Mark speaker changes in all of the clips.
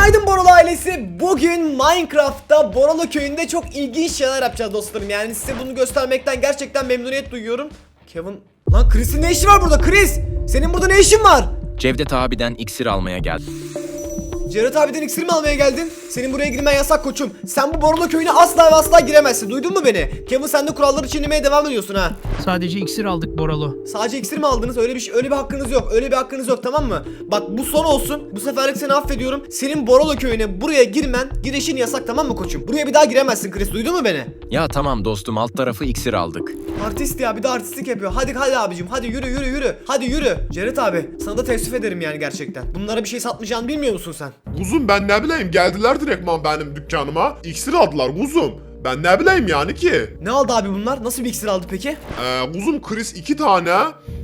Speaker 1: Günaydın Borolo ailesi. Bugün Minecraft'ta Borolo köyünde çok ilginç şeyler yapacağız dostlarım. Yani size bunu göstermekten gerçekten memnuniyet duyuyorum. Kevin... Lan Chris'in ne işi var burada? Chris! Senin burada ne işin var?
Speaker 2: Cevdet abiden iksir almaya geldim.
Speaker 1: Cevdet abiden iksir mi almaya geldin? Senin buraya girmen yasak koçum. Sen bu Borolo köyüne asla ve asla giremezsin. Duydun mu beni? Kevin, sen de kuralları çiğnemeye devam ediyorsun ha.
Speaker 3: Sadece iksir aldık Boralo.
Speaker 1: Sadece iksir mi aldınız? Öyle bir hakkınız yok. Öyle bir hakkınız yok, tamam mı? Bak, bu son olsun. Bu seferlik seni affediyorum. Senin Borolo köyüne buraya girişin yasak, tamam mı koçum? Buraya bir daha giremezsin Chris. Duydun mu beni?
Speaker 2: Ya tamam dostum, alt tarafı iksir aldık.
Speaker 1: Artist ya, bir de artistlik yapıyor. Hadi abicim, hadi yürü. Hadi yürü. Cevdet abi, sana da teessüf ederim yani gerçekten. Bunlara bir şey satmayacağını bilmiyor musun sen?
Speaker 4: Kuzum, ben ne bileyim, geldiler direktman benim dükkanıma. İksir aldılar kuzum. Ben ne bileyim yani ki.
Speaker 1: Ne aldı abi bunlar? Nasıl bir iksir aldı peki?
Speaker 4: Kuzum, Chris 2 tane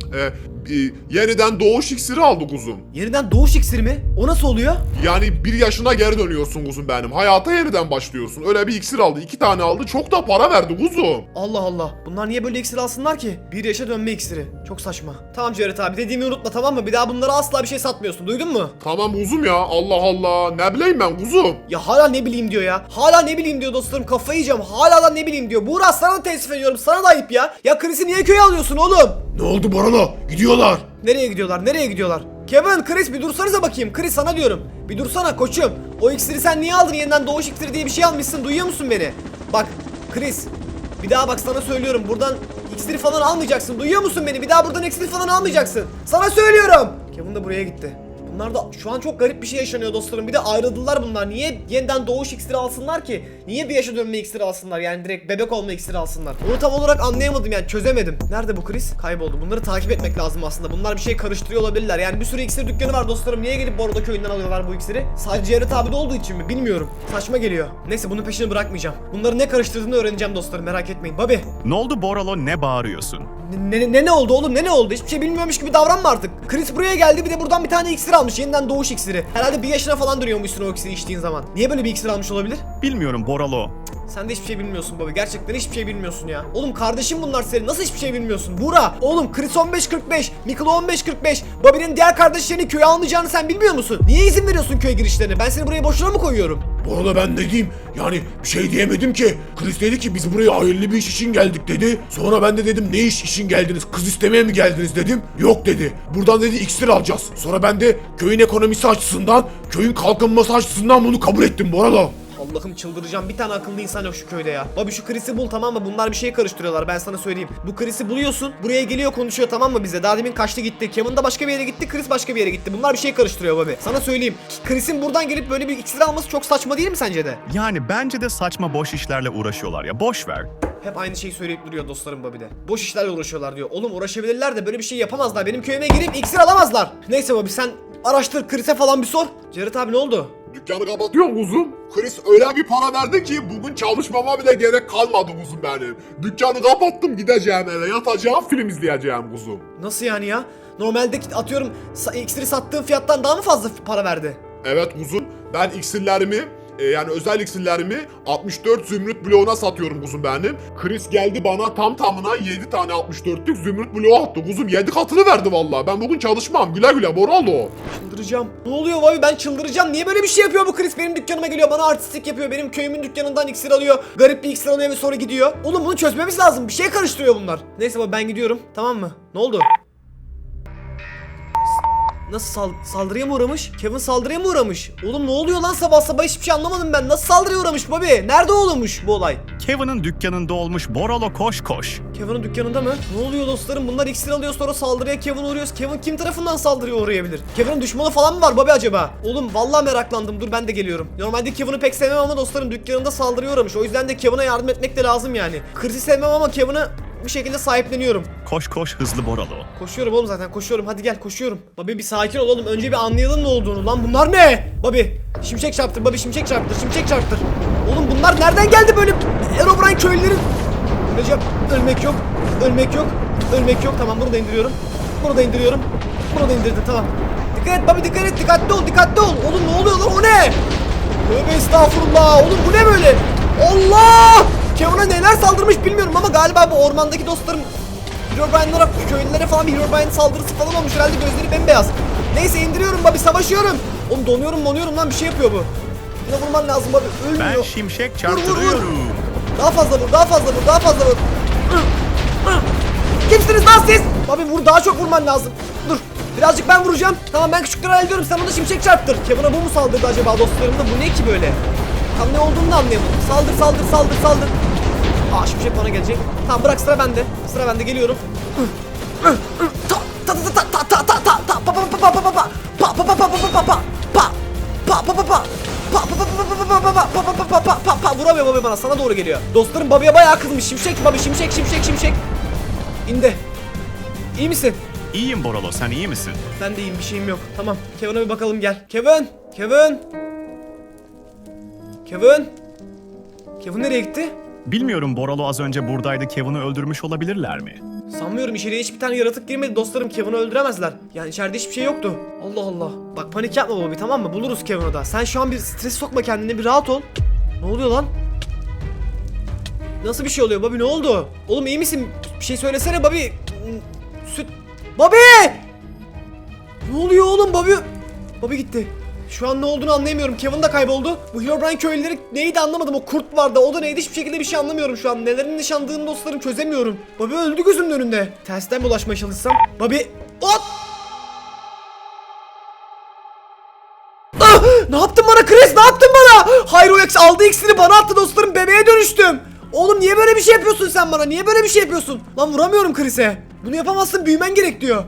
Speaker 4: yeniden doğuş iksiri aldı kuzum.
Speaker 1: Yeniden doğuş iksiri mi? O nasıl oluyor?
Speaker 4: Yani 1 yaşına geri dönüyorsun kuzum benim. Hayata yeniden başlıyorsun. Öyle bir iksir aldı. 2 tane aldı. Çok da para verdi kuzum.
Speaker 1: Allah Allah. Bunlar niye böyle iksir alsınlar ki? 1 yaşa dönme iksiri. Çok saçma. Tamam Cevdet abi, dediğimi unutma, tamam mı? Bir daha bunlara asla bir şey satmıyorsun. Duydun mu?
Speaker 4: Tamam kuzum ya. Allah Allah. Ne bileyim ben kuzum.
Speaker 1: Ya hala ne bileyim diyor ya. Hala ne bileyim diyor dostlarım. Kafayı yiyeceğim. Hala da ne bileyim diyor. Buğra, sana da teessüf ediyorum. Sana da ayıp ya. Ya Chris'i niye köye alıyorsun oğlum?
Speaker 4: Ne oldu Borolo? Gidiyorlar.
Speaker 1: Nereye gidiyorlar? Kevin, Chris bir dursanıza bakayım. Chris, sana diyorum. Bir dursana koçum. O iksiri sen niye aldın? Yeniden doğuş iksiri diye bir şey almışsın. Duyuyor musun beni? Bak Chris. Bir daha bak, sana söylüyorum. Buradan iksiri falan almayacaksın. Duyuyor musun beni? Bir daha buradan iksiri falan almayacaksın. Sana söylüyorum. Kevin de buraya gitti. Bunlar da şu an çok garip bir şey yaşanıyor dostlarım. Bir de ayrıldılar bunlar. Niye yeniden doğuş iksiri alsınlar ki? Niye bir yaşa dönme iksiri alsınlar? Yani direkt bebek olma iksiri alsınlar. Onu tam olarak anlayamadım, yani çözemedim. Nerede bu Chris? Kayboldu. Bunları takip etmek lazım aslında. Bunlar bir şey karıştırıyor olabilirler. Yani bir sürü iksir dükkanı var dostlarım. Niye gelip Bordo köyünden alıyorlar bu iksiri? Sadece Cevdet abi de olduğu için mi? Bilmiyorum. Saçma geliyor. Neyse, bunun peşini bırakmayacağım. Bunları ne karıştırdığını öğreneceğim dostlarım. Merak etmeyin. Bobby.
Speaker 5: Ne oldu Boralo, ne bağırıyorsun?
Speaker 1: Ne oldu oğlum, ne oldu? Hiçbir şey bilmiyormuş gibi davranma artık. Chris buraya geldi, bir de buradan bir tane iksir almış. Yeniden doğuş iksiri. Herhalde 1 yaşına falan dönüyormuşsun o iksiri içtiğin zaman. Niye böyle bir iksir almış olabilir?
Speaker 5: Bilmiyorum Boralo.
Speaker 1: Sen de hiçbir şey bilmiyorsun baba. Gerçekten hiçbir şey bilmiyorsun ya. Oğlum kardeşim bunlar senin. Nasıl hiçbir şey bilmiyorsun? Buğra. Oğlum Chris 15-45. Miklo 15-45. Bobby'nin diğer kardeşlerini köye almayacağını sen bilmiyor musun? Niye izin veriyorsun köye girişlerine? Ben seni buraya boşuna mı koyuyorum?
Speaker 4: Bu arada ben de diyeyim, yani bir şey diyemedim ki. Chris dedi ki biz buraya hayırlı bir iş için geldik dedi. Sonra ben de dedim ne iş için geldiniz? Kız istemeye mi geldiniz dedim. Yok dedi. Buradan dedi iksir alacağız. Sonra ben de köyün ekonomisi açısından, köyün kalkınması açısından bunu kabul ettim bu arada.
Speaker 1: Allah'ım, çıldıracağım. Bir tane akıllı insan yok şu köyde ya. Bobby, şu Chris'i bul, tamam mı? Bunlar bir şey karıştırıyorlar, ben sana söyleyeyim. Bu Chris'i buluyorsun. Buraya geliyor, konuşuyor, tamam mı bize? Daha demin kaçtı gitti. Kevin de başka bir yere gitti. Chris başka bir yere gitti. Bunlar bir şey karıştırıyor Bobby. Sana söyleyeyim. Chris'in buradan gelip böyle bir iksir alması çok saçma değil mi sence de?
Speaker 5: Yani bence de saçma, boş işlerle uğraşıyorlar ya, boş ver.
Speaker 1: Hep aynı şeyi söyleyip duruyor dostlarım Bobby'de. Boş işlerle uğraşıyorlar diyor. Oğlum uğraşabilirler de böyle bir şey yapamazlar. Benim köyüme girip iksir alamazlar. Neyse Bobby, sen araştır, Chris'e falan bir sor. Cevdet abi, ne oldu?
Speaker 4: Dükkanı kapatıyorum kuzum. Chris öyle bir para verdi ki bugün çalışmama bile gerek kalmadı kuzum benim. Dükkanı kapattım, gideceğim eve, yatacağım, film izleyeceğim kuzum.
Speaker 1: Nasıl yani ya? Normalde atıyorum iksiri sattığın fiyattan daha mı fazla para verdi?
Speaker 4: Evet kuzum, ben iksirlerimi yani özel iksirlerimi 64 zümrüt bloğuna satıyorum kuzum benim. Chris geldi bana tam tamına 7 tane 64'lük zümrüt bloğu attı kuzum. 7 katını verdi vallahi. Ben bugün çalışmam. Güle güle Boralo.
Speaker 1: Çıldıracağım. Ne oluyor Bobby? Ben çıldıracağım. Niye böyle bir şey yapıyor bu Chris? Benim dükkanıma geliyor, bana artistlik yapıyor. Benim köyümün dükkanından iksir alıyor. Garip bir iksir alıyor ve sonra gidiyor. Oğlum bunu çözmemiz lazım. Bir şey karıştırıyor bunlar. Neyse Bobby, ben gidiyorum. Tamam mı? Ne oldu? Nasıl saldırıya mı uğramış? Kevin saldırıya mı uğramış? Oğlum ne oluyor lan, sabah sabah hiçbir şey anlamadım ben. Nasıl saldırıya uğramış Bobby? Nerede olmuş bu olay?
Speaker 5: Kevin'in dükkanında olmuş, Boralo koş koş.
Speaker 1: Kevin'in dükkanında mı? Ne oluyor dostlarım? Bunlar iksir alıyor, sonra saldırıya Kevin uğruyoruz. Kevin kim tarafından saldırıya uğrayabilir? Kevin'in düşmanı falan mı var Bobby acaba? Oğlum vallahi meraklandım. Dur, ben de geliyorum. Normalde Kevin'i pek sevmem ama dostlarım dükkanında saldırıya uğramış. O yüzden de Kevin'e yardım etmek de lazım yani. Chris'i sevmem ama Kevin'i bir şekilde sahipleniyorum.
Speaker 5: Koş koş hızlı Boralo.
Speaker 1: Koşuyorum oğlum, zaten koşuyorum. Hadi gel, koşuyorum. Bobby bir sakin ol oğlum. Önce bir anlayalım ne olduğunu. Lan bunlar ne? Bobby şimşek çarptır. Bobby şimşek çarptır. Şimşek çarptır. Oğlum bunlar nereden geldi böyle? Herobrine köylüleri. Recep, ölmek yok. Ölmek yok. Ölmek yok. Tamam, bunu da indiriyorum. Bunu da indiriyorum. Bunu da indirdim, tamam. Dikkat et Bobby, dikkat et. Dikkatli ol, dikkatli ol. Oğlum ne oluyor lan, o ne? Tövbe estağfurullah. Oğlum bu ne böyle? Allah! Kevin'e neler saldırmış bilmiyorum ama galiba bu ormandaki dostlarım Herobrine'lara, köylülere falan bir Herobrine saldırısı falan olmuş. Herhalde gözleri bembeyaz. Neyse indiriyorum Bobby, savaşıyorum. Oğlum donuyorum lan, bir şey yapıyor bu. Buna vurman lazım abi. Ölmüyor.
Speaker 5: Ben şimşek
Speaker 1: Vur.
Speaker 5: çarptırıyorum.
Speaker 1: Daha fazla vur. Kimsiniz lan siz? Abi vur, daha çok vurman lazım. Dur. Birazcık ben vuracağım. Tamam, ben küçükleri hallediyorum. Sen ona şimşek çarptır. Kevin'a bu mu saldırdı acaba dostlarımda? Bu ne ki böyle? Tam ne olduğunu da anlayamadım. Saldır. Aa, şimşek bana gelecek. Tamam, bırak, sıra bende. Geliyorum. Vuramıyor Bobby bana, sana doğru geliyor. Dostlarım Bobby'ye bayağı kızmış. Şimşek Bobby, şimşek. İndi. İyi misin?
Speaker 5: İyiyim Boralo, sen iyi misin?
Speaker 1: Ben de iyiyim, bir şeyim yok. Tamam, Kevin'a bir bakalım, gel. Kevin nereye gitti?
Speaker 5: Bilmiyorum, Boralo az önce buradaydı, Kevin'i öldürmüş olabilirler mi?
Speaker 1: Sanmıyorum, içeriye hiçbir tane yaratık girmedi dostlarım, Kevin'i öldüremezler. Yani içeride hiçbir şey yoktu. Allah Allah. Bak, panik yapma Bobby, tamam mı? Buluruz Kevin'i da. Sen şu an bir stres sokma kendine, bir rahat ol. Ne oluyor lan? Nasıl bir şey oluyor Bobby, ne oldu? Oğlum iyi misin? Bir şey söylesene Bobby. Süt. Bobby! Ne oluyor oğlum Bobby? Bobby gitti. Şu an ne olduğunu anlayamıyorum. Kevin de kayboldu. Bu Herobrine köylüleri neydi anlamadım. O kurt vardı. O da neydi, hiçbir şekilde bir şey anlamıyorum şu an. Nelerin nişandığını dostlarım çözemiyorum. Bobby öldü gözümün önünde. Tersten mi ulaşmaya çalışsam? Bobby... Hop! Ah! Ne yaptın bana Chris? Ne yaptın bana? Hayır, o aldığı iksiri bana attı dostlarım. Bebeğe dönüştüm. Oğlum niye böyle bir şey yapıyorsun sen bana? Niye böyle bir şey yapıyorsun? Lan vuramıyorum Chris'e. Bunu yapamazsın, büyümen gerek diyor.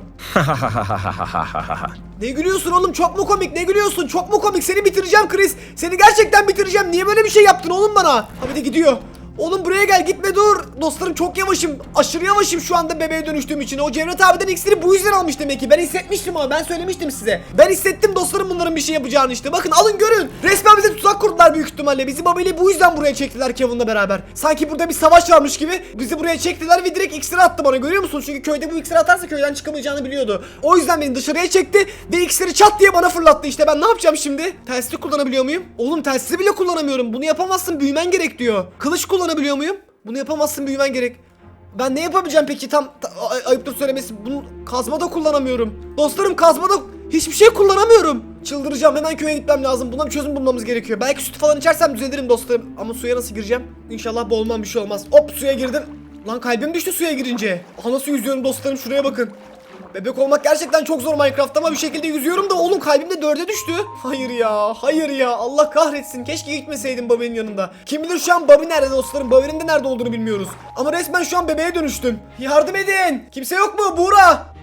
Speaker 1: Ne gülüyorsun oğlum? Çok mu komik? Ne gülüyorsun? Çok mu komik? Seni bitireceğim Chris. Seni gerçekten bitireceğim. Niye böyle bir şey yaptın oğlum bana? Abi de gidiyor. Oğlum buraya gel, gitme, dur. Dostlarım çok yavaşım. Aşırı yavaşım şu anda bebeğe dönüştüğüm için. O Cevdet abiden iksiri bu yüzden almış demek ki. Ben hissetmiştim ama, ben söylemiştim size. Ben hissettim dostlarım bunların bir şey yapacağını işte. Bakın, alın görün. Resmen bize tuzak kurdular büyük ihtimalle. Bizi babayla bu yüzden buraya çektiler Kevin'la beraber. Sanki burada bir savaş varmış gibi bizi buraya çektiler ve direkt iksiri attı bana, görüyor musun? Çünkü köyde bu iksiri atarsa köyden çıkamayacağını biliyordu. O yüzden beni dışarıya çekti ve iksiri çat diye bana fırlattı. İşte ben ne yapacağım şimdi? Telsizi kullanabiliyor muyum? Oğlum telsizi bile kullanamıyorum. Bunu yapamazsın, büyümen gerek diyor. Kılıç kullanabiliyor muyum? Bunu yapamazsın, büyümen gerek. Ben ne yapabileceğim peki, ayıptır söylemesi. Bunu kazma da kullanamıyorum. Dostlarım, kazmada hiçbir şey kullanamıyorum. Çıldıracağım, hemen köye gitmem lazım. Buna bir çözüm bulmamız gerekiyor. Belki süt falan içersem düzelirim dostlarım. Ama suya nasıl gireceğim? İnşallah boğulmam, bir şey olmaz. Hop, suya girdim. Lan kalbim düştü suya girince. Aha, nasıl yüzüyorum dostlarım, şuraya bakın. Bebek olmak gerçekten çok zor Minecraft'ta ama bir şekilde yüzüyorum da oğlum kalbim de 4'e düştü. Hayır ya, Allah kahretsin, keşke gitmeseydim Bobby'nin yanında. Kim bilir şu an Bobby nerede dostlarım, Bobby'nin de nerede olduğunu bilmiyoruz. Ama resmen şu an bebeğe dönüştüm. Yardım edin, kimse yok mu? Buğra!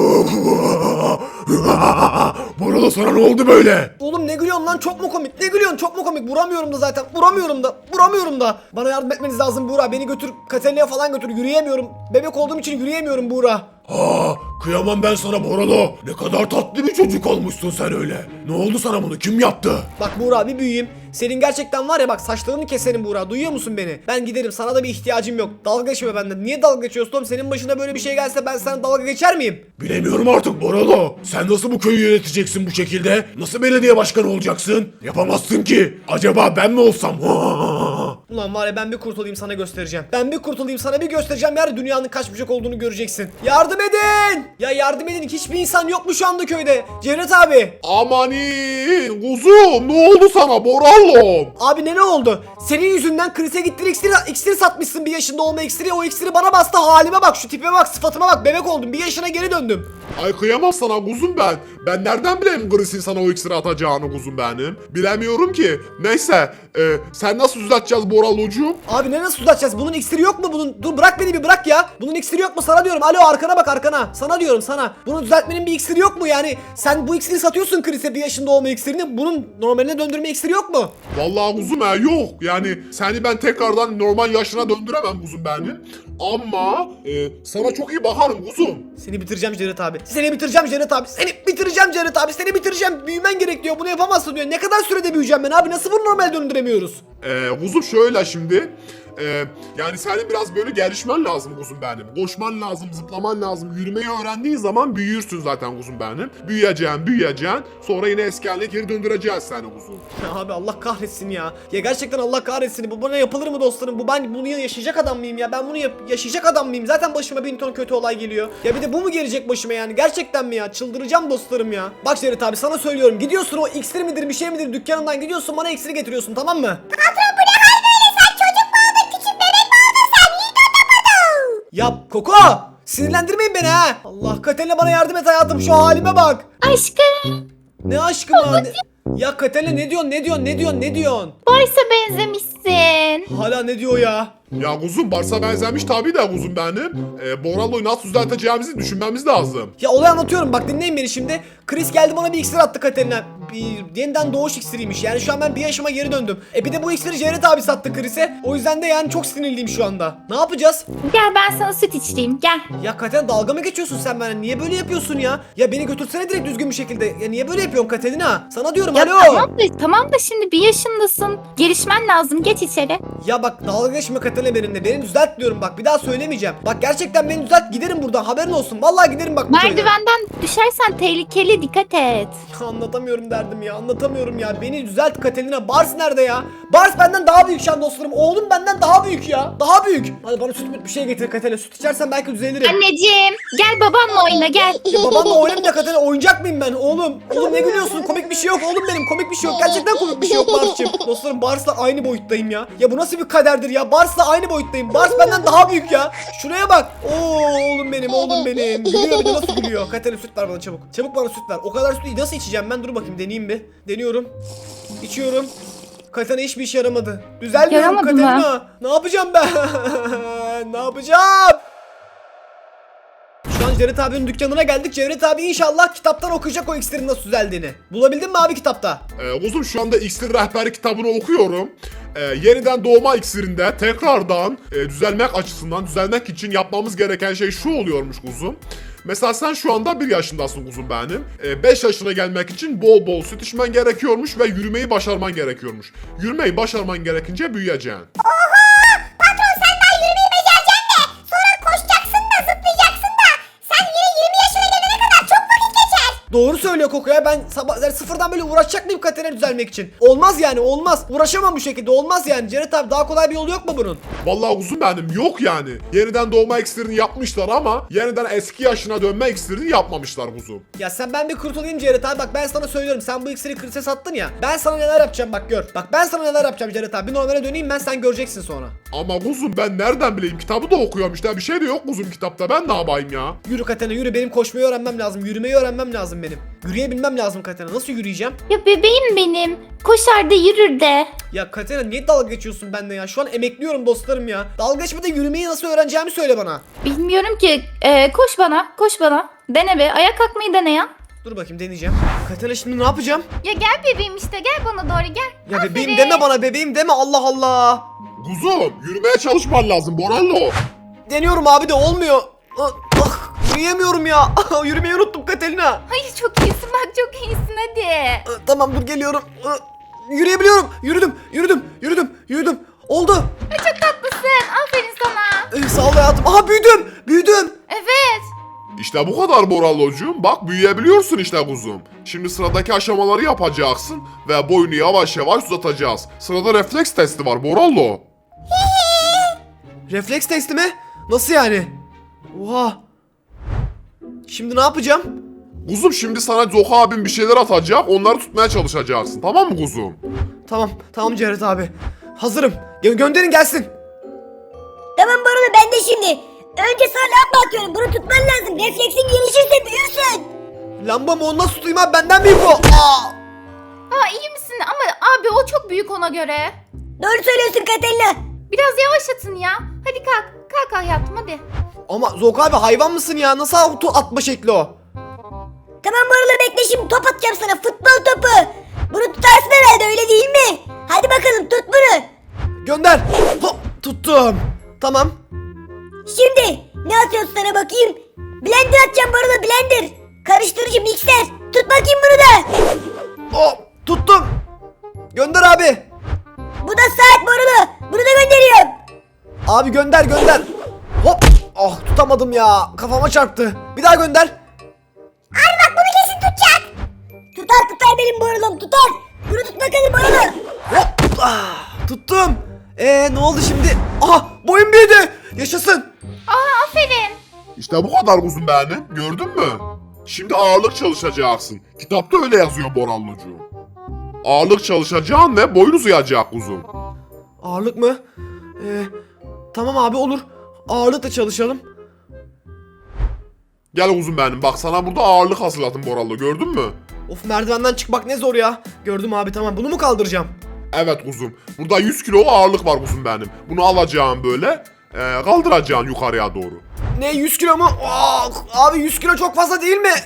Speaker 4: Boralo, sana ne oldu böyle?
Speaker 1: Oğlum ne gülüyorsun lan, çok mu komik? Ne gülüyorsun, çok mu komik? Vuramıyorum da zaten, vuramıyorum da. Bana yardım etmeniz lazım Buğra, beni götür Katalina'ya falan götür, yürüyemiyorum. Bebek olduğum için yürüyemiyorum Buğra.
Speaker 4: Kıyamam ben sana Boralo. Ne kadar tatlı bir çocuk olmuşsun sen öyle. Ne oldu sana, bunu kim yaptı?
Speaker 1: Bak Buğra, bir büyüyeyim. Senin gerçekten var ya, bak saçlarını keserim Buğra, duyuyor musun beni? Ben giderim, sana da bir ihtiyacım yok. Dalga geçme benden. Niye dalga geçiyorsun oğlum? Senin başına böyle bir şey gelse ben sana dalga geçer miyim?
Speaker 4: Bilemiyorum artık Boralo. Sen nasıl bu köyü yöneteceksin bu şekilde? Nasıl belediye başkanı olacaksın? Yapamazsın ki. Acaba ben mi olsam?
Speaker 1: Ulan var ya, ben bir kurtulayım sana göstereceğim. Sana bir göstereceğim. Yani dünyanın kaç bucak olduğunu göreceksin. Yardım edin! Ya yardım edin. Hiçbir insan yok mu şu anda köyde? Cevdet abi.
Speaker 4: Amanin kuzum, ne oldu sana Boralo?
Speaker 1: Abi ne oldu? Senin yüzünden Chris'e gittin, iksiri satmışsın, bir yaşında olma iksiri. O iksiri bana bastı, halime bak, şu tipime bak, sıfatıma bak, bebek oldum, bir yaşına geri döndüm.
Speaker 6: Ay kıyamam sana kuzum ben. Ben nereden bileyim Chris'in sana o iksiri atacağını kuzum benim. Bilemiyorum ki. Neyse sen nasıl düzelteceğiz Boralocuğum?
Speaker 1: Abi nasıl uzatacağız? Bunun iksiri yok mu bunun? Dur bırak beni, bir bırak ya. Bunun iksiri yok mu? Sana diyorum. Alo, arkana bak, arkana. Sana diyorum, sana. Bunu düzeltmenin bir iksiri yok mu? Yani sen bu iksiri satıyorsun Chris'e, bir yaşında olma iksirini. Bunun normaline döndürme iksiri yok mu?
Speaker 6: Vallahi kuzum yok. Yani seni ben tekrardan normal yaşına döndüremem kuzum benim. Ama sana çok iyi bakarım kuzum.
Speaker 1: Seni bitireceğim Cevdet abi. Seni bitireceğim Cevdet abi. Büyümen gerek diyor. Bunu yapamazsın diyor. Ne kadar sürede büyüyeceğim ben abi? Nasıl bunu normal döndüremiyoruz?
Speaker 6: Kuzum şöyle şimdi. Yani senin biraz böyle gelişmen lazım kuzum benim. Koşman lazım, zıplaman lazım. Yürümeyi öğrendiğin zaman büyürsün zaten kuzum benim. Büyüyeceksin. Sonra yine eski haline geri döndüreceğiz seni kuzum.
Speaker 1: Ya abi Allah kahretsin ya. Ya gerçekten Allah kahretsin. Bu bana yapılır mı dostlarım? Ben bunu yaşayacak adam mıyım ya? Ben bunu yaşayacak adam mıyım? Zaten başıma bin ton kötü olay geliyor. Ya bir de bu mu gelecek başıma yani? Gerçekten mi ya? Çıldıracağım dostlarım ya. Bak Cerit abi sana söylüyorum. Gidiyorsun o iksir midir bir şey midir dükkanından gidiyorsun bana iksiri getiriyorsun tamam mı? Ya Koko! Sinirlendirmeyin beni ha! Allah Katerina bana yardım et hayatım şu halime bak!
Speaker 7: Aşkım,
Speaker 1: Ne aşkım ha? Ya Katerina ne diyorsun?
Speaker 7: Boris'e benzemişsin.
Speaker 1: Hala ne diyor ya?
Speaker 6: Ya kuzum Bars'a benzemiş tabii de kuzum benim. Borallo'yu nasıl düzelteceğimizi düşünmemiz lazım.
Speaker 1: Ya olayı anlatıyorum bak dinleyin beni şimdi. Chris geldi bana bir iksir attı Katerina. Bir yeniden doğuş iksiriymiş yani şu an ben bir yaşıma geri döndüm. Bir de bu iksiri Cevdet abi sattı Chris'e. O yüzden de yani çok sinirliyim şu anda. Ne yapacağız?
Speaker 7: Gel ben sana süt içireyim, gel.
Speaker 1: Ya Katerina dalga mı geçiyorsun sen bana? Niye böyle yapıyorsun ya? Ya beni götürsene direkt düzgün bir şekilde. Ya niye böyle yapıyorsun Katerina? Sana diyorum
Speaker 7: Ya
Speaker 1: alo.
Speaker 7: tamam da şimdi bir yaşındasın. Gelişmen lazım, geç içeri.
Speaker 1: Ya bak dalga geçme Katerina benimle. Beni düzelt diyorum bak bir daha söylemeyeceğim. Bak gerçekten beni düzelt giderim buradan haberin olsun. Vallahi giderim bak bu köyden.
Speaker 7: Merdivenden düşersen tehlikeli, dikkat et.
Speaker 1: Ya anlatamıyorum derdim ya anlatamıyorum ya. Beni düzelt Katerina. Bars nerede ya? Bars benden daha büyük şu an dostlarım. Oğlum benden daha büyük ya. Daha büyük. Hadi bana süt bir şey getir Katerina. Süt içersen belki düzelirim.
Speaker 7: Anneciğim, gel babanla oyna, gel.
Speaker 1: Ya babanla oynayayım da Katerina oyuncak mıyım ben oğlum? Oğlum ne gülüyorsun? Komik bir şey yok oğlum benim. Komik bir şey yok. Gerçekten komik bir şey yok Bars'cığım. Dostlarım Bars'la aynı boyuttayım ya. Ya bu nasıl bir kaderdir ya? Bars'la aynı boyuttayım. Bars benden daha büyük ya. Şuraya bak. Oo oğlum benim. Gülüyor bir de nasıl gülüyor? Katerina süt ver bana çabuk. Çabuk bana süt ver. O kadar sütü nasıl içeceğim ben? Dur bakayım deneyeyim bir. Deniyorum. İçiyorum. Katerina hiçbir işe yaramadı. Düzelmiyorum
Speaker 7: Yaramadı mı?
Speaker 1: Katerina. Ne yapacağım ben? Ne yapacağım? Şu an Cevdet abinin dükkanına geldik. Cevdet abi inşallah kitaptan okuyacak o iksirin nasıl düzeldiğini. Bulabildin mi abi kitapta?
Speaker 6: Kuzum şu anda iksir rehberi kitabını okuyorum. Yeniden doğma iksirinde tekrardan düzelmek açısından düzelmek için yapmamız gereken şey şu oluyormuş kuzum. Mesela sen şu anda 1 yaşındasın kuzum benim. 5 yaşına gelmek için bol bol süt içmen gerekiyormuş ve yürümeyi başarman gerekiyormuş. Yürümeyi başarman gerekince büyüyeceksin.
Speaker 1: Doğru söylüyor Koko ya. Ben sabah yani sıfırdan böyle uğraşacak mıyım Katerina düzelmek için? Olmaz yani olmaz. Uğraşamam bu şekilde olmaz yani. Cevdet abi daha kolay bir yolu yok mu bunun?
Speaker 6: Vallahi kuzum benim yok yani. Yeniden doğma iksirini yapmışlar ama yeniden eski yaşına dönme iksirini yapmamışlar kuzum.
Speaker 1: Ya ben bir kurtulayım Cevdet abi. Bak ben sana söylüyorum. Sen bu iksiri Chris'e sattın ya. Ben sana neler yapacağım bak gör. Bak ben sana neler yapacağım Cevdet abi. Bir normale döneyim ben sen göreceksin sonra.
Speaker 6: Ama kuzum ben nereden bileyim, kitabı da okuyorum işte, bir şey de yok kuzum kitapta, ben ne yapayım ya?
Speaker 1: Yürü Katerina yürü, benim koşmayı öğrenmem lazım. Yürümeyi öğrenmem lazım benim. Yürüyebilmem lazım Katerina. Nasıl yürüyeceğim?
Speaker 7: Ya bebeğim benim. Koşar da yürür de.
Speaker 1: Ya Katerina niye dalga geçiyorsun bende ya? Şu an emekliyorum dostlarım ya. Dalga geçme de yürümeyi nasıl öğreneceğimi söyle bana.
Speaker 7: Bilmiyorum ki. Koş bana. Dene be. Ayağa kalkmayı dene ya.
Speaker 1: Dur bakayım deneyeceğim. Katerina şimdi ne yapacağım?
Speaker 7: Ya gel bebeğim işte. Gel bana doğru gel.
Speaker 1: Ya bebeğim deme bana, bebeğim deme, Allah Allah.
Speaker 6: Kuzum yürümeye çalışman lazım Borallo.
Speaker 1: Deniyorum abi de olmuyor. Yürüyemiyorum ya. Yürümeyi unuttum Katerina.
Speaker 7: Hayır çok iyisin bak çok iyisin hadi.
Speaker 1: Tamam dur geliyorum. Yürüyebiliyorum. Yürüdüm. Oldu.
Speaker 7: Çok tatlısın. Aferin sana.
Speaker 1: Sağ ol hayatım. Aha büyüdüm.
Speaker 7: Evet.
Speaker 6: İşte bu kadar Borallocuğum, bak büyüyebiliyorsun işte kuzum. Şimdi sıradaki aşamaları yapacaksın ve boyunu yavaş yavaş uzatacağız. Sırada refleks testi var Borallo.
Speaker 1: Refleks testi mi? Nasıl yani? Oha. Şimdi ne yapacağım?
Speaker 6: Kuzum şimdi sana Zoka abim bir şeyler atacak, onları tutmaya çalışacaksın, tamam mı kuzum?
Speaker 1: Tamam Cevdet abi. Hazırım. Gönderin gelsin.
Speaker 8: Tamam Borulu ben de şimdi. Önce sana lamba atıyorum. Bunu tutman lazım. Refleksin gelişirse büyürsün.
Speaker 1: Lamba mı, onu nasıl tutayım abi, benden büyük o.
Speaker 7: Aa iyi misin ama abi o çok büyük ona göre.
Speaker 8: Doğru söylüyorsun Katerina.
Speaker 7: Biraz yavaşlatın ya. Hadi kalk. Kalk hayatım hadi.
Speaker 1: Ama Zok abi hayvan mısın ya? Nasıl atma şekli o?
Speaker 8: Tamam Borulu bekle, şimdi top atacağım sana. Futbol topu. Bunu tutarsın herhalde, öyle değil mi? Hadi bakalım tut bunu.
Speaker 1: Gönder. Hop, tuttum. Tamam.
Speaker 8: Şimdi ne atıyorsun sana bakayım? Blender atacağım Borulu, blender. Karıştırıcı mikser. Tut bakayım bunu da.
Speaker 1: Hop, tuttum. Gönder abi.
Speaker 8: Bu da saat Borulu. Bunu da gönderiyorum.
Speaker 1: Abi gönder gönder. Hop. Ah tutamadım ya. Kafama çarptı. Bir daha gönder.
Speaker 8: Abi bak bunu kesin tutacak. Tutar benim borulum tutar. Bunu tut bakalım borulu.
Speaker 1: Hop. Ah, tuttum. Ne oldu şimdi? Aha boyum büyüdü. Yaşasın.
Speaker 7: Aa aferin.
Speaker 6: İşte bu kadar kuzum benim. Gördün mü? Şimdi ağırlık çalışacaksın. Kitapta öyle yazıyor Borallocuğum. Ağırlık çalışacaksın ve boyun uzayacak kuzum.
Speaker 1: Ağırlık mı? Tamam abi olur. Ağırlıkla çalışalım.
Speaker 6: Gel kuzum benim. Bak sana burada ağırlık hazırladım Borallo. Gördün mü?
Speaker 1: Of merdivenden çıkmak ne zor ya. Gördüm abi tamam bunu mu kaldıracağım?
Speaker 6: Evet kuzum. Burada 100 kilo ağırlık var kuzum benim. Bunu alacağım böyle. Kaldıracaksın yukarıya doğru.
Speaker 1: Ne 100 kilo mu? Aa, abi 100 kilo çok fazla değil mi?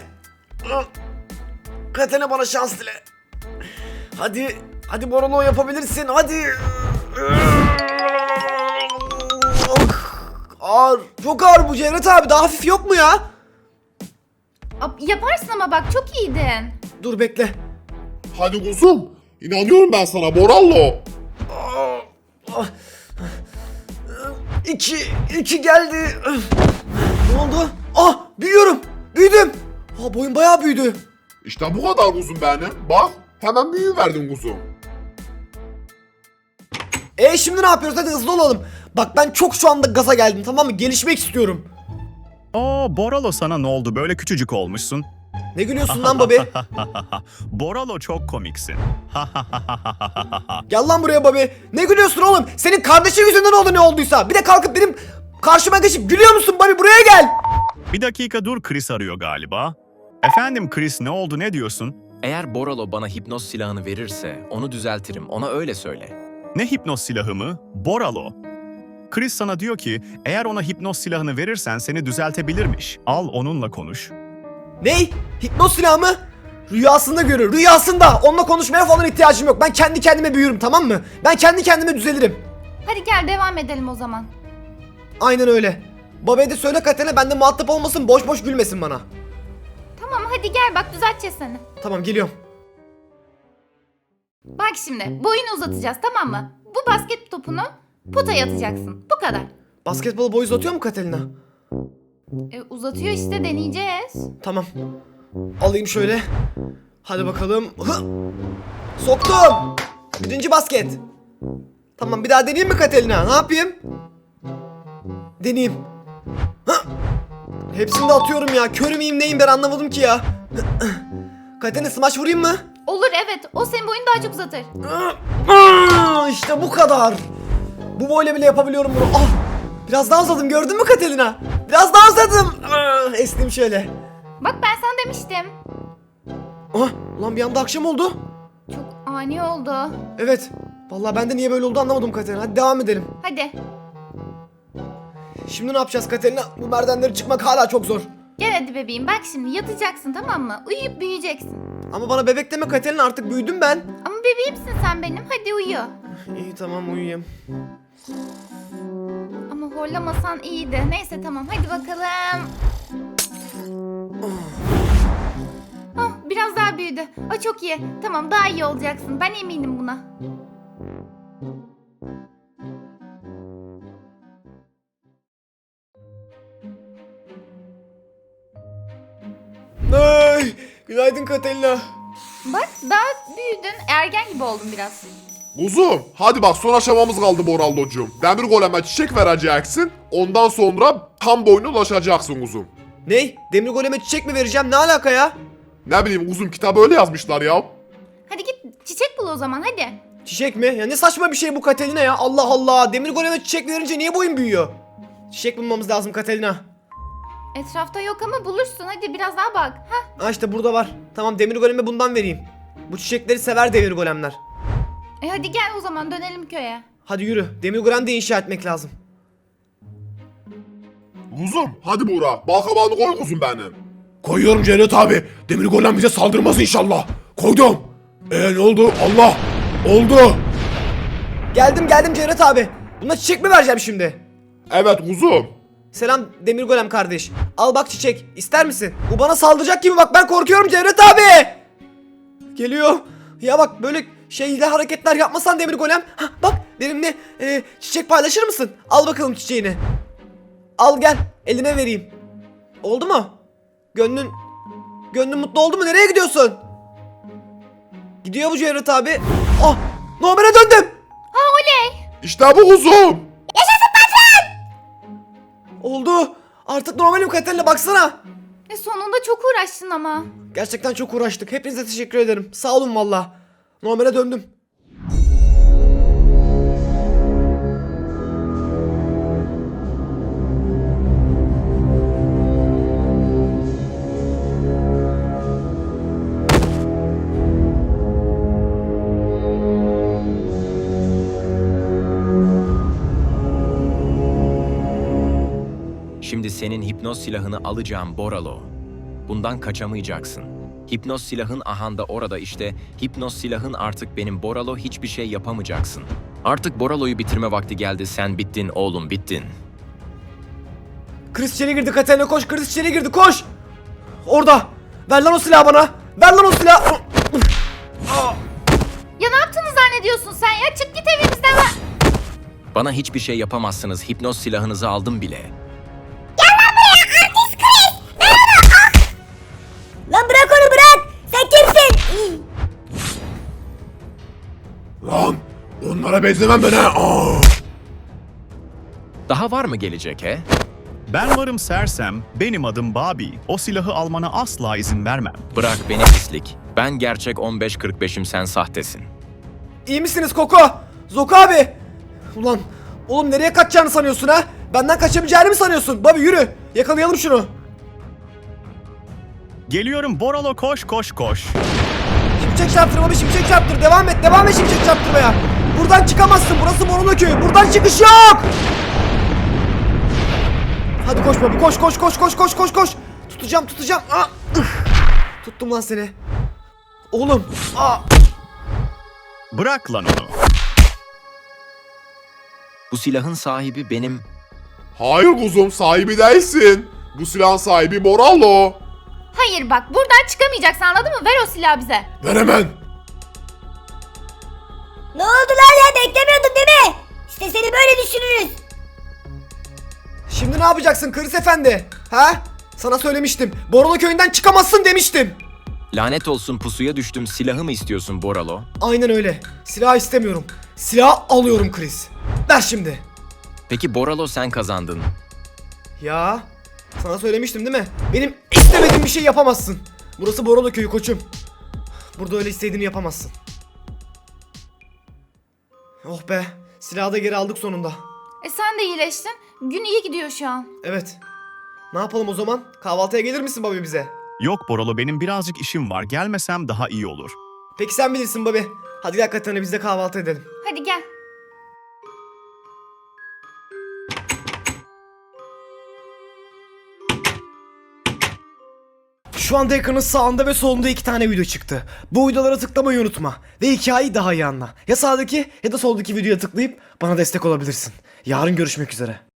Speaker 1: Katene bana şans dile. Hadi Borolo yapabilirsin hadi. Ağır. Çok ağır bu Cevdet abi daha hafif yok mu ya?
Speaker 7: Yaparsın ama bak çok iyiydin.
Speaker 1: Dur bekle.
Speaker 6: Hadi kuzum. İnanıyorum ben sana Borallo.
Speaker 1: İki geldi. Ne oldu? Ah büyüyorum. Büyüdüm. Boyum bayağı büyüdü.
Speaker 6: İşte bu kadar kuzum benim. Bak hemen büyüverdin kuzum.
Speaker 1: Şimdi ne yapıyoruz? Hadi hızlı olalım. Bak ben çok şu anda gaza geldim tamam mı? Gelişmek istiyorum.
Speaker 5: Boralo sana ne oldu? Böyle küçücük olmuşsun.
Speaker 1: Ne gülüyorsun lan Bobby?
Speaker 5: Boralo çok komiksin.
Speaker 1: Gel lan buraya Bobby. Ne gülüyorsun oğlum? Senin kardeşin yüzünden oldu ne olduysa. Bir de kalkıp benim karşıma geçip gülüyor musun Bobby? Buraya gel.
Speaker 5: Bir dakika dur, Chris arıyor galiba. Efendim Chris, ne oldu, ne diyorsun?
Speaker 2: Eğer Boralo bana hipnoz silahını verirse onu düzeltirim. Ona öyle söyle.
Speaker 5: Ne hipnoz silahı mı? Boralo. Chris sana diyor ki eğer ona hipnoz silahını verirsen seni düzeltebilirmiş. Al onunla konuş.
Speaker 1: Ney? Hipnoz silahı mı? Rüyasında görür. Rüyasında. Onunla konuşmaya falan ihtiyacım yok. Ben kendi kendime büyürüm tamam mı? Ben kendi kendime düzelirim.
Speaker 7: Hadi gel devam edelim o zaman.
Speaker 1: Aynen öyle. Bobby'ye de söyle Katene bende muhatap olmasın. Boş boş gülmesin bana.
Speaker 7: Tamam hadi gel bak düzelteceğiz seni.
Speaker 1: Tamam geliyorum.
Speaker 7: Bak şimdi boyunu uzatacağız tamam mı? Bu basket topunu potaya atacaksın. Bu kadar.
Speaker 1: Basketbolu boy uzatıyor mu Katelina?
Speaker 7: Uzatıyor işte deneyeceğiz.
Speaker 1: Tamam. Alayım şöyle. Hadi bakalım. Hı! Soktum. Birinci basket. Tamam bir daha deneyeyim mi Katelina? Ne yapayım? Deneyeyim. Hı! Hepsini de atıyorum ya. Kör müyüm neyim ben anlamadım ki ya. Katelina smaç vurayım mı?
Speaker 7: Olur evet o senin boyunu daha çok uzatır.
Speaker 1: İşte bu kadar. Bu boyla bile yapabiliyorum bunu. Ah! Biraz daha uzadım gördün mü Katelina? Biraz daha uzadım. Esnim şöyle.
Speaker 7: Bak ben sana demiştim.
Speaker 1: Lan bir anda akşam oldu.
Speaker 7: Çok ani oldu.
Speaker 1: Evet. Vallahi ben de niye böyle oldu anlamadım Katerina. Hadi devam edelim.
Speaker 7: Hadi
Speaker 1: Şimdi ne yapacağız Katerina? Bu merdivenleri çıkmak hala çok zor.
Speaker 7: gel hadi bebeğim bak şimdi yatacaksın tamam mı? Uyuyup büyüyeceksin.
Speaker 1: Ama bana bebek deme Katerina artık büyüdüm ben.
Speaker 7: Ama bebeğimsin sen benim hadi uyu.
Speaker 1: İyi tamam uyuyayım.
Speaker 7: Ama horlamasan iyiydi. Neyse tamam hadi bakalım. Biraz daha büyüdü. Çok iyi. Tamam daha iyi olacaksın. Ben eminim buna.
Speaker 1: Ay, günaydın Katerina.
Speaker 7: Bak daha büyüdün. Ergen gibi oldun biraz.
Speaker 6: Kuzum hadi bak son aşamamız kaldı Borallocuğum. Demir goleme çiçek vereceksin. Ondan sonra tam boyuna ulaşacaksın kuzum.
Speaker 1: Ney? Demir goleme çiçek mi vereceğim? Ne alaka ya?
Speaker 6: Ne bileyim kuzum kitabı öyle yazmışlar ya.
Speaker 7: Hadi git çiçek bul o zaman hadi.
Speaker 1: Çiçek mi? Ya ne saçma bir şey bu Katerina ya. Allah Allah. Demir goleme çiçek verince niye boyun büyüyor? Çiçek bulmamız lazım Katerina.
Speaker 7: Etrafta yok ama bulursun. Hadi biraz daha bak.
Speaker 1: İşte burada var. Tamam demir goleme bundan vereyim. Bu çiçekleri sever demir golemler.
Speaker 7: Hadi gel o zaman dönelim köye.
Speaker 1: Hadi yürü. Demir golem de inşa etmek lazım.
Speaker 6: Kuzum hadi Buğra balkabağını koy kuzum benim.
Speaker 4: Koyuyorum Cevdet abi. Demir golem bize saldırmaz inşallah. Koydum. Ne oldu? Allah! Oldu.
Speaker 1: Geldim Cevdet abi. Buna çiçek mi vereceğim şimdi?
Speaker 6: Evet kuzum.
Speaker 1: Selam demir golem kardeş. Al bak çiçek. İster misin? Bu bana saldıracak gibi bak ben korkuyorum Cevdet abi. Geliyor. Ya bak böyle şeyle hareketler yapmasan Demir Golem. Hah, bak benimle çiçek paylaşır mısın? Al bakalım çiçeğini. Al gel eline vereyim. Oldu mu? Gönlün mutlu oldu mu? Nereye gidiyorsun? Gidiyor bu Cevdet abi. Ah, normale döndüm.
Speaker 7: Ha oley.
Speaker 6: İşte bu kuzum.
Speaker 1: Oldu. Artık normalim Katerina, baksana.
Speaker 7: Sonunda çok uğraştın ama.
Speaker 1: Gerçekten çok uğraştık. Hepinize teşekkür ederim. Sağ olun valla. Normale döndüm.
Speaker 2: Şimdi senin hipnoz silahını alacağım Boralo. Bundan kaçamayacaksın. Hipnoz silahın ahanda orada işte. Hipnoz silahın artık benim Boralo, hiçbir şey yapamayacaksın. Artık Boralo'yu bitirme vakti geldi. Sen bittin oğlum, bittin.
Speaker 1: Chris içeri girdi Katerina, koş. Chris içeri girdi, koş. Orada. Ver lan o silahı bana. Ver lan o silahı.
Speaker 7: Ya ne yaptığını zannediyorsun sen ya? Çık git evimizden.
Speaker 2: Bana hiçbir şey yapamazsınız. Hipnoz silahınızı aldım bile.
Speaker 8: Lan bırak onu, bırak. Sen kimsin?
Speaker 4: Lan onlara benzemem ben ha. Aa!
Speaker 2: Daha var mı gelecek he?
Speaker 5: Ben varım sersem, benim adım Bobby. O silahı almana asla izin vermem.
Speaker 2: Bırak beni pislik. Ben gerçek 15-45'im, sen sahtesin.
Speaker 1: İyi misiniz Koko? Zoku abi. Ulan oğlum, nereye kaçacağını sanıyorsun ha? Benden kaçabileceğini mi sanıyorsun? Bobby yürü. Yakalayalım şunu.
Speaker 5: Geliyorum Boralo, koş koş koş.
Speaker 1: Şimşek çarptır Bobby, şimşek çarptır. Devam et şimşek çarptırmaya. Buradan çıkamazsın. Burası Morona köyü. Buradan çıkış yok. Hadi koş Bobby, koş. Tutacağım. Ah, tuttum lan seni. Oğlum.
Speaker 5: Bırak lan onu.
Speaker 2: Bu silahın sahibi benim.
Speaker 6: Hayır kuzum, sahibi değilsin. Bu silahın sahibi Boralo.
Speaker 7: Hayır bak, buradan çıkamayacaksın, anladın mı? Ver o silahı bize.
Speaker 4: Ver hemen.
Speaker 8: Ne oldu lan ya, beklemiyordun değil mi? İşte seni böyle düşürürüz.
Speaker 1: Şimdi ne yapacaksın Chris efendi? Ha? Sana söylemiştim. Borona köyünden çıkamazsın demiştim.
Speaker 2: Lanet olsun, pusuya düştüm. Silahı mı istiyorsun Boralo?
Speaker 1: Aynen öyle. Silah istemiyorum. Silah alıyorum Chris. Ver şimdi.
Speaker 2: Peki Boralo, sen kazandın.
Speaker 1: Ya sana söylemiştim değil mi? Benim istemediğim bir şey yapamazsın. Burası Borolo köyü koçum. Burada öyle istediğini yapamazsın. Oh be. Silahı da geri aldık sonunda.
Speaker 7: Sen de iyileştin. Gün iyi gidiyor şu an.
Speaker 1: Evet. Ne yapalım o zaman? Kahvaltıya gelir misin Bobby bize?
Speaker 5: Yok Boralo, benim birazcık işim var. Gelmesem daha iyi olur.
Speaker 1: Peki sen bilirsin Bobby. Hadi gel Katerina, biz de kahvaltı edelim.
Speaker 7: Hadi gel.
Speaker 1: Şu anda ekranın sağında ve solunda 2 tane video çıktı. Bu videolara tıklamayı unutma. Ve hikayeyi daha iyi anla. Ya sağdaki ya da soldaki videoya tıklayıp bana destek olabilirsin. Yarın görüşmek üzere.